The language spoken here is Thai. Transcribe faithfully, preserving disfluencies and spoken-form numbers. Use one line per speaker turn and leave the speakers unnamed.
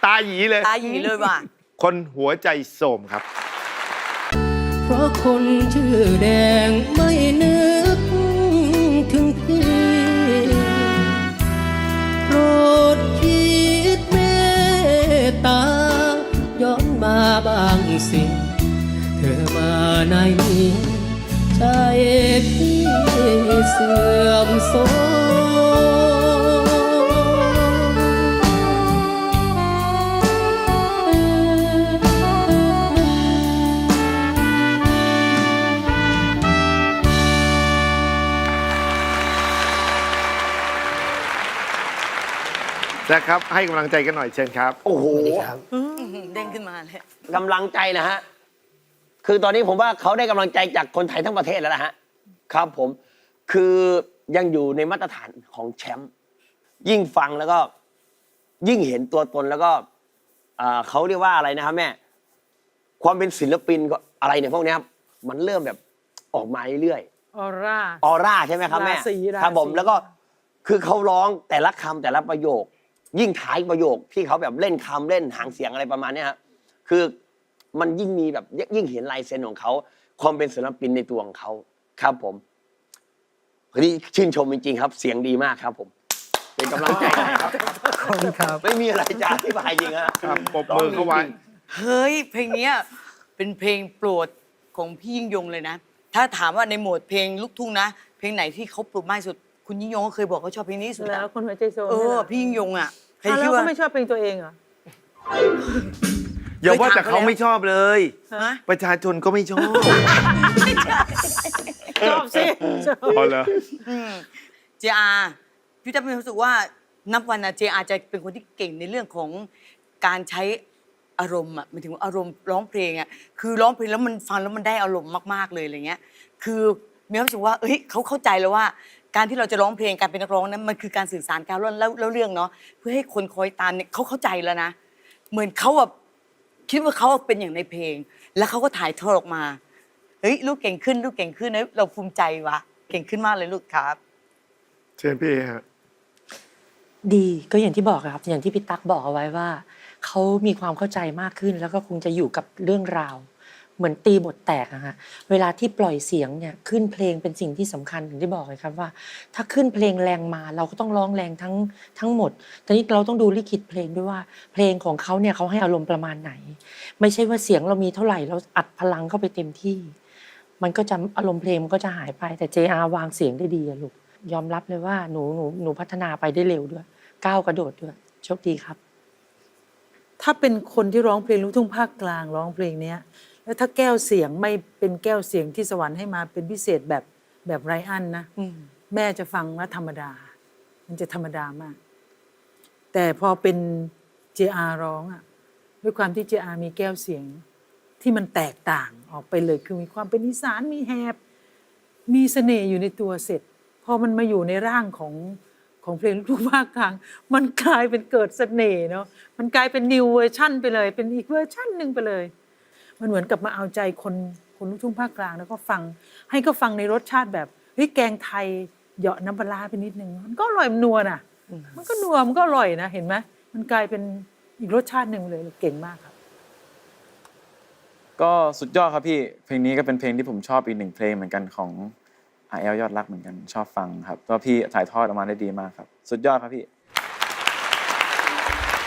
ตาหยีเลย
ตาหยีเลยว่ะ
คนหัวใจโสมครับ
เพราะคนชื่อแดงไม่นึกถึงพี่โปรดคิดเมตตาย้อนมาบางสิ่งเธอมาในนี้ใจพี่เสื่อมโทร
นะครับให้กำลังใจกันหน่อยเชิญครับ
โอ้โห
เด้งขึ้นมาเลย
กำลังใจนะฮะคือตอนนี้ผมว่าเขาได้กำลังใจจากคนไทยทั้งประเทศแล้วนะฮะครับผมคือยังอยู่ในมาตรฐานของแชมป์ยิ่งฟังแล้วก็ยิ่งเห็นตัวตนแล้วก็เขาเรียกว่าอะไรนะครับแม่ความเป็นศิลปินก็อะไรเนี่ยพวกนี้ครับมันเริ่มแบบออกมาเรื่อย
ๆออร่า
ออร่าใช่ไหมครับแม่ครับผมแล้วก็คือเขาร้องแต่ละคำแต่ละประโยคยิ่งท้ายประโยคที่เขาแบบเล่นคำเล่นหางเสียงอะไรประมาณนี้ครับคือมันยิ่งมีแบบยิ่งเห็นลายเซ็นของเขาความเป็นศิลปินในตัวของเขาครับผมวันนี้ชื่นชมจริงๆครับเสียงดีมากครับผมเป็นกำลังใจให้ครับ
ขอบคุณครับ
ไม่มีอะไรจะอธิบายจริงครับ
ปรบมือเข้าไว้
เฮ้ยเพลงนี้เป็นเพลงโปรดของพี่ยิ่งยงเลยนะถ้าถามว่าในโหมดเพลงลูกทุ่งนะเพลงไหนที่เขาโปรดมากที่สุดคุณยิ่งยงก็เคยบอกเขาชอบเพลงนี้สุด
แล้วคนหัวใจโซม
เออพี่ยิ่งยงอ่ะ
แล้วก็ไม่ชอบเพลงตัวเองเหรอ
อย่าว่าแต่เขาไม่ชอบเลยประชาชนก็ไม่ชอบ
ชอบสิ
พอแล้ว
เจอาพี่จะมีความรู้สึกว่านับวันนะเจอาจะเป็นคนที่เก่งในเรื่องของการใช้อารมณ์อ่ะหมายถึงอารมณ์ร้องเพลงอ่ะคือร้องเพลงแล้วมันฟังแล้วมันได้อารมณ์มากๆเลยอะไรเงี้ยคือมีความรู้สึกว่าเอ้ยเขาเข้าใจแล้วว่าการที่เราจะร้องเพลงการเป็นนักร้องนั้นมันคือการสื่อสารการแล้วแล้วเรื่องเนาะเพื่อให้คนคอยตามเนี่ยเขาเข้าใจแล้วนะเหมือนเขาแบบคิดว่าเขาเป็นอย่างในเพลงแล้วเขาก็ถ่ายทอดออกมาเฮ้ยลูกเก่งขึ้นลูกเก่งขึ้นนะเราภูมิใจวะเก่งขึ้นมากเลยลูกครับ
เชิญพี่ฮะ
ดีก็อย่างที่บอกครับอย่างที่พี่ตั๊กบอกเอาไว้ว่าเขามีความเข้าใจมากขึ้นแล้วก็คงจะอยู่กับเรื่องราวเหมือนตีบทแตกอะฮะเวลาที่ปล่อยเสียงเนี่ยขึ้นเพลงเป็นสิ่งที่สำคัญอย่างที่บอกเลยครับว่าถ้าขึ้นเพลงแรงมาเราก็ต้องร้องแรงทั้งทั้งหมดแต่นี้เราต้องดูลิขิตเพลงด้วยว่าเพลงของเขาเนี่ยเขาให้อารมณ์ประมาณไหนไม่ใช่ว่าเสียงเรามีเท่าไหร่เราอัดพลังเข้าไปเต็มที่มันก็จะอารมณ์เพลงมันก็จะหายไปแต่ เจ อาร์ วางเสียงได้ดีอะลูกยอมรับเลยว่าหนูหนูหนูพัฒนาไปได้เร็วด้วยก้าวกระโดดด้วยโชคดีครับ
ถ้าเป็นคนที่ร้องเพลงลูกทุ่งภาคกลางร้องเพลงเนี้ยแล้วถ้าแก้วเสียงไม่เป็นแก้วเสียงที่สวรรค์ให้มาเป็นพิเศษแบบแบบไรอันนะแม่จะฟังว่าธรรมดามันจะธรรมดามากแต่พอเป็น เจ อาร์ ร้องอ่ะด้วยความที่ เจ อาร์ มีแก้วเสียงที่มันแตกต่างออกไปเลยคือมีความเป็นอีสานมีแหบมีเสน่ห์อยู่ในตัวเสร็จพอมันมาอยู่ในร่างของของเพลงลูกทุ่งภาคกลางมันกลายเป็นเกิดเสน่ห์เนาะมันกลายเป็นนิวเวอร์ชั่นไปเลยเป็นอีกเวอร์ชั่นหนึ่งไปเลยมันเหมือนกับมาเอาใจคนคนลูกทุ่งภาคกลางแล้วก็ฟังให้ก็ฟังในรสชาติแบบเฮ้ยแกงไทยเหยาะน้ำปลาไปนิดนึงมันก็อร่อยมันนัวน่ะมันก็นัวมันก็อร่อยนะเห็นไหมมันกลายเป็นอีกรสชาติหนึ่งเลยเก่งมากครับ
ก็สุดยอดครับพี่เพลงนี้ก็เป็นเพลงที่ผมชอบอีกหนึ่งเพลงเหมือนกันของอาร์แอลยอดรักเหมือนกันชอบฟังครับก็พี่ถ่ายทอดออกมาได้ดีมากครับสุดยอดครับพี่